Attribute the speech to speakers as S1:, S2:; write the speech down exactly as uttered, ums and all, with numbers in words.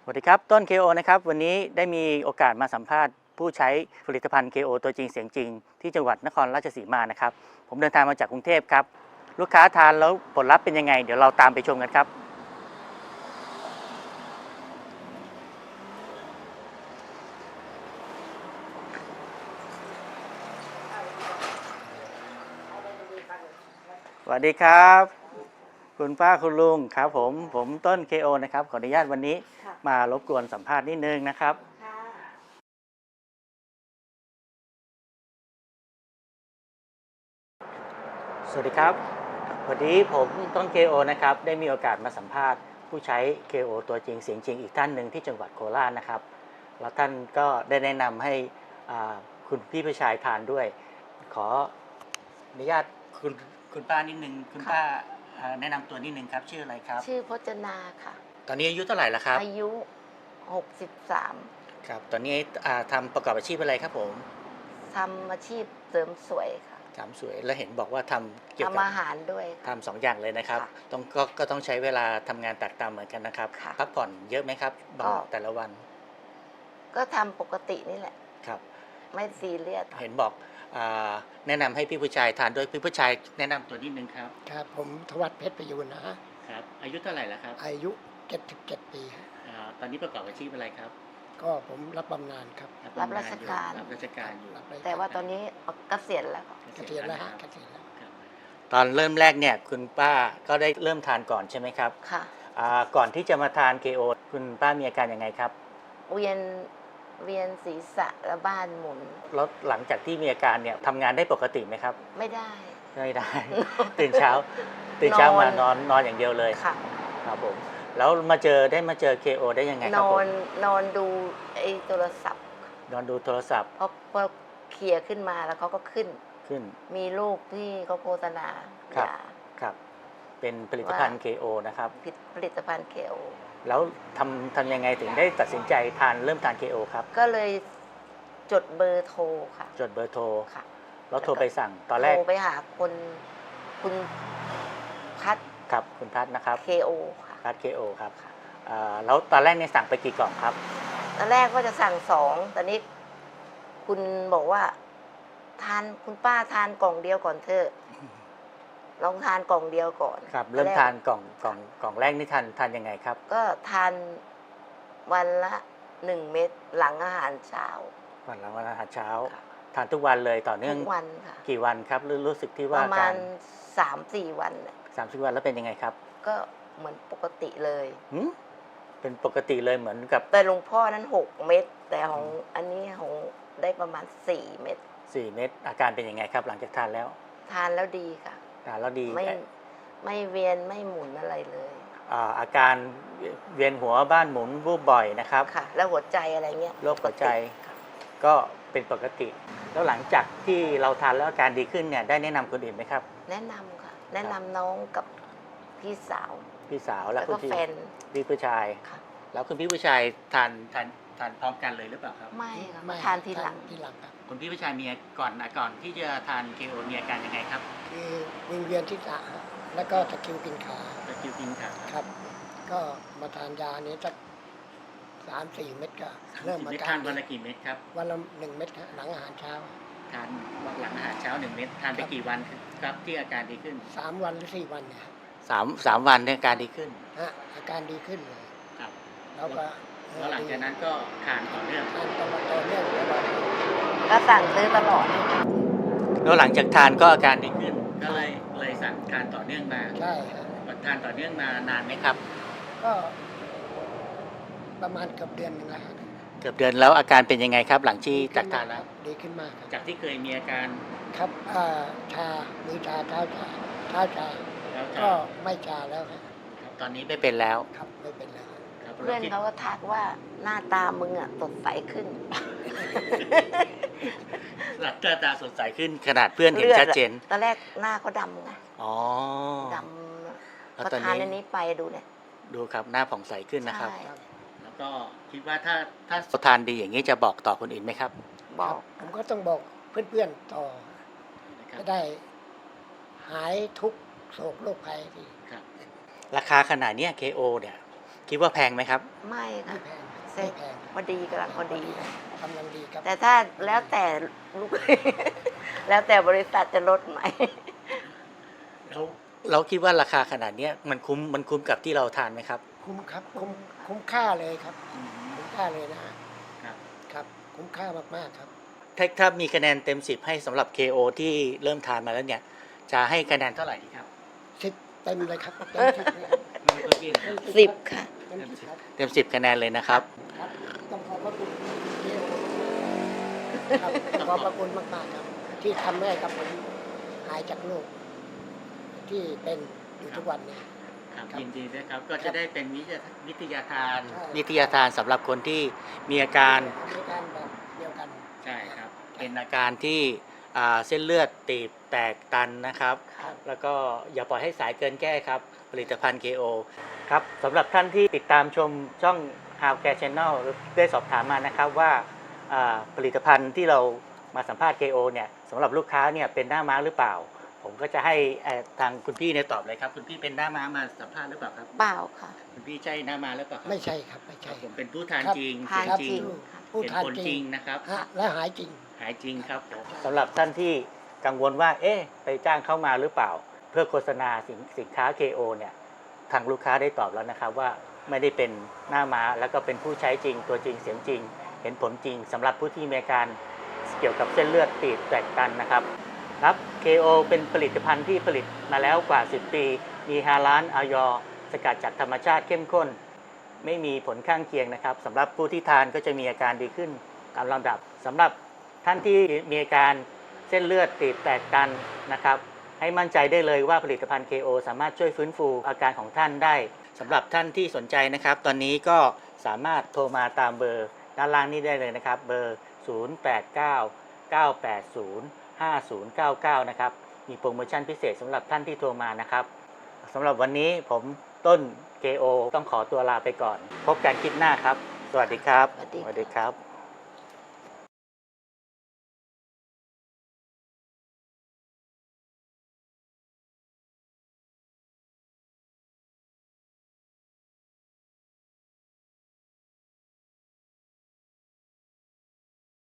S1: วัสดีครับต้น เค โอ นะครับวันนี้ได้มีโอกาสมาสัมภาษณ์ผู้ใช้ผลิตภัณฑ์ เค โอ ตัวจริงเสียงจริงที่จังหวัดนครราชสีมานะครับผมเดินทางมาจากกรุงเทพครับลูกค้าทานแล้วผลลัพธ์เป็นยังไงเดี๋ยวเราตามไปชมกันครับสวัสดีครับคุณป้าคุณลุงครับผมผมต้น เค โอ นะครับขออนุญาตวันนี้มารบกวนสัมภาษณ์นิดนึงนะครับสวัสดีครับวันนี้ผมต้น เค โอ นะครับได้มีโอกาสมาสัมภาษณ์ผู้ใช้ เค โอ ตัวจริงเสียงจริงอีกท่านหนึ่งที่จังหวัดโคราชนะครับแล้วท่านก็ได้แนะนำให้คุณพี่ผู้ชายทานด้วยขออนุญาตคุณคุณป้านิดนึงคุณป้าแนะนำตัวนิดนึงครับชื่ออะไรครับ
S2: ชื่อพจนาค่ะ
S1: ตอนนี้อายุเท่าไหร่แล้วครับ
S2: อายุหกสิบสาม
S1: ครับตอนนี้ทำประกอบอาชีพอะไรครับผม
S2: ทำอาชีพเสริมสวยค่ะ
S1: ทำสวยแล้วเห็นบอกว่าทำเกี่ยวกับ
S2: ทำอาหารด้วย
S1: ทำสองอย่างเลยนะครับต้องก็ก็ต้องใช้เวลาทำงานแตกต่างเหมือนกันนะครับพักผ่อนเยอะไหมครับบางแต่ละวัน
S2: ก็ทำปกตินี่แหละ
S1: ครับ
S2: ไม่ซีเรียส
S1: เห็นบอกแนะนำให้พี่ผู้ชายทานด้วยพี่ผู้ชายแนะนำตัวนิดนึงครับ
S3: ครับผมทวัชเพชรประยูนนะฮะ
S1: ครับอายุเท่าไหร่แล้วครับ
S3: อายุเจ็ดสิบเจ็ดปีฮะ
S1: ตอนนี้ประกอบอาชีพอะไรครับ
S3: ก็ผมรับบำนาญครับ
S2: รับราชการ
S1: รับราชการอยู่
S2: แต่ว่าตอนนี้เกษียณแล้ว
S3: เกษียณแล้วฮะเกษียณแล้ว
S1: ตอนเริ่มแรกเนี่ยคุณป้าก็ได้เริ่มทานก่อนใช่ไหมครับ
S2: ค่ะ
S1: ก่อนที่จะมาทาน เค โอ คุณป้ามีอาการยังไงครับ
S2: เวียนเวียนศีรษะและบ้านหมุน
S1: แล้วหลังจากที่มีอาการเนี่ยทำงานได้ปกติไหมครับ
S2: ไม่ได้
S1: ไม่ได้ ตื่นเช้าตื่นเช้ามานอนนอนอย่างเดียวเลย
S2: ค่ะ
S1: ครับผมแล้วมาเจอได้มาเจอ เค โอ ได้ยังไงครับ
S2: นอนนอนดูไอ้โทรศัพท์
S1: นอนดูโทรศัพท์
S2: พอพอเคลียร์ขึ้นมาแล้วเขาก็ขึ้น
S1: ขึ้น
S2: มีรูปที่เขาโฆษณา
S1: ครับครับเป็นผลิตภัณฑ์ เค โอ นะครับ
S2: ผลิตภัณฑ์ เค โอ
S1: แล้วทำทำยังไงถึงได้ตัดสินใจทานเริ่มทาน เค โอ ครับ
S2: ก็เลยจดเบอร์โทรค่ะ
S1: จดเบอร์โทร
S2: ค่ะ
S1: แล้วโทรไปสั่งตอนแรก
S2: โทรไปหาคนคุณพัด
S1: ครับคุณพัดนะครับ
S2: เค โอ ค่ะ
S1: พัด เค โอ ครับแล้วตอนแรกเนี่ยสั่งไปกี่กล่องครับ
S2: ตอนแรกก็จะสั่งสองตอนนี้คุณบอกว่าทานคุณป้าทานกล่องเดียวก่อนเถอะลองทานกล่องเดียวก่อน
S1: ครับเริ่มทานกล่องกล่องกล่องแรกนี่ทานทานยังไงครับ
S2: ก็ทานวันละหนึ่งเม็ดหลังอาหารเช้า
S1: วันหลังอาหารเช้าทานทุกวันเลยต่อเนื่อง
S2: ทุกวันค่ะ
S1: กี่วันครับรู้สึกที่ว่า
S2: ประมาณสามสี่วัน
S1: สามสี่วันแล้วเป็นยังไงครับ
S2: ก็เหมือนปกติเลย
S1: เป็นปกติเลยเหมือนกับ
S2: แต่หลวงพ่อนั้นหกเม็ดแต่ของอันนี้ของได้ประมาณสี่เม็ด
S1: สี่เม็ดอาการเป็นยังไงครับหลังจากทานแล้ว
S2: ทานแล้วดีค่ะ
S1: ทานแล้วดี
S2: ไม่ไม่เวียนไม่หมุนอะไรเลย
S1: อาการเวียนหัวบ้านหมุนวูบบ่อยนะครับ
S2: ค่ะแล้วหัวใจอะไรเงี้ย
S1: โรคหัวใจก็เป็นปกติแล้วหลังจากที่เราทานแล้วอาการดีขึ้นเนี่ยได้แนะนำคนอื่นไหมครับ
S2: แนะนำค่ะแนะนำน้องกับพี่สาว
S1: พี่สาวแล้ว
S2: ก็แฟน
S1: พี่ผู้ชายแล้วคุณพี่ผู้ชายทานทานทานพร้อมกันเลยหรือเปล่าครับ
S2: ไม่ค่ะทานทีหลัง
S3: ทีหลังครับ
S1: คุณพี่ผู้ชายมีก่อนก่อนที่จะทาน เค โอ มีอาการยังไงครับ
S3: คือวิงเวียนที่ขาแล้วก็ตะคริวกินขา
S1: ตะคริวกินขา
S3: ครับก็มาทานยานี้สักสามสี่เม็ดก็เริ่ม
S1: มาทานวันละกี่เม็ดครับ
S3: วันละหนึ่งเม็ดหลังอาหารเช้า
S1: ทานหลังอาหารเช้าหนึ่งเม็ดทานไปกี่วันครับที่อาการดีขึ้น
S3: สามวันหรือสี่วันเนี่ย
S1: สามสามวันเนี่ยอาการดีขึ้น
S3: ฮะอาการดีขึ้นเลย
S1: ครับ
S3: แล้วก็
S1: แล้วหลังจากนั้นก็ทานต่อเนื่อง
S3: ทานต่อเนื่องตลอด
S2: ก็สั่งซื้อตลอด
S1: แล้วหลังจากทานก็อาการดีขึ้นก็เลยเลยสั่งทานต่อเนื่องมา
S3: ใช่ครับ
S1: ทานต่อเนื่องมานานไหมครับ
S3: ก็ประมาณเกือบเดือนนึงแล้ว
S1: เกือบเดือนแล้วอาการเป็นยังไงครับหลังที่จากทานแล้ว
S3: ดีขึ้นมาก
S1: จากที่เคยมีอาการ
S3: ครับชามือชาเท้าชาเท้าชาก็ไม่ชาแล้วครับ
S1: ตอนนี้ไม่เป็นแล้ว
S3: ครับไม่เป็นแล้ว
S2: เพื่อนเขาก็ทักว่าหน้าตามึงอ่ะสดใสขึ้น
S1: หน้าตาสดใสขึ้นขนาดเพื่อนเห็นชัดเจน
S2: ตอนแรกหน้าเขาดำไง
S1: อ๋อ
S2: ดำพอทานอันนี้ไปดูเนี่ย
S1: ดูครับหน้าผ่องใสขึ้นนะครับแล้วก็คิดว่าถ้าถ้าทานดีอย่างนี้จะบอกต่อคนอื่นไหมครับ
S2: บอก
S3: ผมก็ต้องบอกเพื่อนๆต่อจะได้หายทุกโศกโรคภัยที
S1: ราคาขนาดนี้ เค โอ เนี่ยคิดว่าแพงไหมครับ
S2: ไม่ค่ะ
S3: ไม่แพง
S2: เซ็
S3: ไม่
S2: ต
S3: แพง
S2: พอดีกำลังพอดีนะ
S3: กำลังดีครับ
S2: แต่ถ้าแล้วแต่ลูก แล้วแต่บริษัทจะลดไหม
S1: เราเราคิดว่าราคาขนาดเนี้ยมันคุ้มมันคุ้มกับที่เราทานไหมครับ
S3: คุ้มครับคุ้มคุ้มค่าเลยครับ คุ้มค่าเลยนะฮะ
S1: ครับ
S3: ครับ คุ้มค่ามากๆครับ
S1: ถ้าถ้ามีคะแนนเต็มสิบให้สำหรับ เค โอ ที่เริ่มทานมาแล้วเนี่ยจะให้คะแนนเท่าไหร่ดีครับ
S3: สิบเต็มเลยครับเต็มสิบเลยครับ
S2: สิบค่ะ
S3: เต็มสิบครับ
S1: เต็มสิบคะแนนเลยนะครับ
S3: ครับต้องขอบพระคุณเกี่ยวครับต้องขอบพระคุณมากๆครับ ที่ทำให้กับผมหายจากโรคที่เป็นอยู่ทุกวันนี้
S1: ครับ
S3: ครับ
S1: ยินดีด้วยครับก็จะได้เป็นวิทยาวิทยาทาน
S3: ใช่
S1: วิทยาทานสำหรับคนที่มีอาการ
S3: มีการแบบเดียวกัน
S1: ใช่ครับเป็นอาการที่อ่าเส้นเลือดตีบแตกตันนะครับ
S3: ครับ
S1: แล้วก็อย่าปล่อยให้สายเกินแก้ครับ ผลิตภัณฑ์ เค โอ ครับสำหรับท่านที่ติดตามชมช่อง How Care Channel ได้สอบถามมานะครับว่าอ่าผลิตภัณฑ์ที่เรามาสัมภาษณ์ เค โอ เนี่ยสำหรับลูกค้าเนี่ยเป็นหน้าม้าหรือเปล่า ผมก็จะให้เอ่อทางคุณพี่เนี่ยตอบเลยครับคุณพี่เป็นหน้าม้ามาสัมภาษณ์หรือเปล่าครับ
S2: เปล่าค่ะ
S1: คุณพี่ใช่หน้าม้าหรือเปล่าครับ
S3: ไม่ใช่ครับไม่
S1: ค
S3: ใช่
S1: รับผมเป็นผู้ทาน
S3: ครับ
S1: จริง
S2: ทาน
S1: เสีย
S2: จริง
S3: ผู้
S1: เห็น
S3: ทาน
S1: ผล
S3: จ
S1: จ
S3: ริ
S1: ริ
S3: ง
S1: งนะครับ
S3: ฮะและหายจริง
S1: หายจริงครับผมสำหรับท่านที่กังวลว่า เอ๊ะ ไปจ้างเข้ามาหรือเปล่า เพื่อโฆษณาสินสินค้า เค โอ เนี่ย ทางลูกค้าได้ตอบแล้วนะครับว่าไม่ได้เป็นหน้าม้าแล้วก็เป็นผู้ใช้จริง ตัวจริงเสียงจริง เห็นผลจริงสำหรับผู้ที่มีอาการเกี่ยวกับเส้นเลือดตีบแตกตันนะครับ ครับ เค โอ เป็นผลิตภัณฑ์ที่ผลิตมาแล้วกว่า สิบ ปี มีฮาลาลออยสกัดจากธรรมชาติเข้มข้น ไม่มีผลข้างเคียงนะครับสำหรับผู้ที่ทานก็จะมีอาการดีขึ้นตามลำดับสำหรับท่านที่มีอาการเส้นเลือดตีบแตกตันนะครับ ให้มั่นใจได้เลยว่าผลิตภัณฑ์ เค โอ สามารถช่วยฟื้นฟูอาการของท่านได้สำหรับท่านที่สนใจนะครับ ตอนนี้ก็สามารถโทรมาตามเบอร์ด้านล่างนี้ได้เลยนะครับ เบอร์ ศูนย์ แปด เก้า เก้า แปด ศูนย์ ห้า ศูนย์ เก้า เก้า นะครับ มีโปรโมชั่นพิเศษสำหรับท่านที่โทรมานะครับสำหรับวันนี้ผมต้น เค โอ ต้องขอตัวลาไปก่อน พบกันคลิปหน้าครับ สวัสดีครับ
S2: สวัสดี
S1: สวัสดีครับ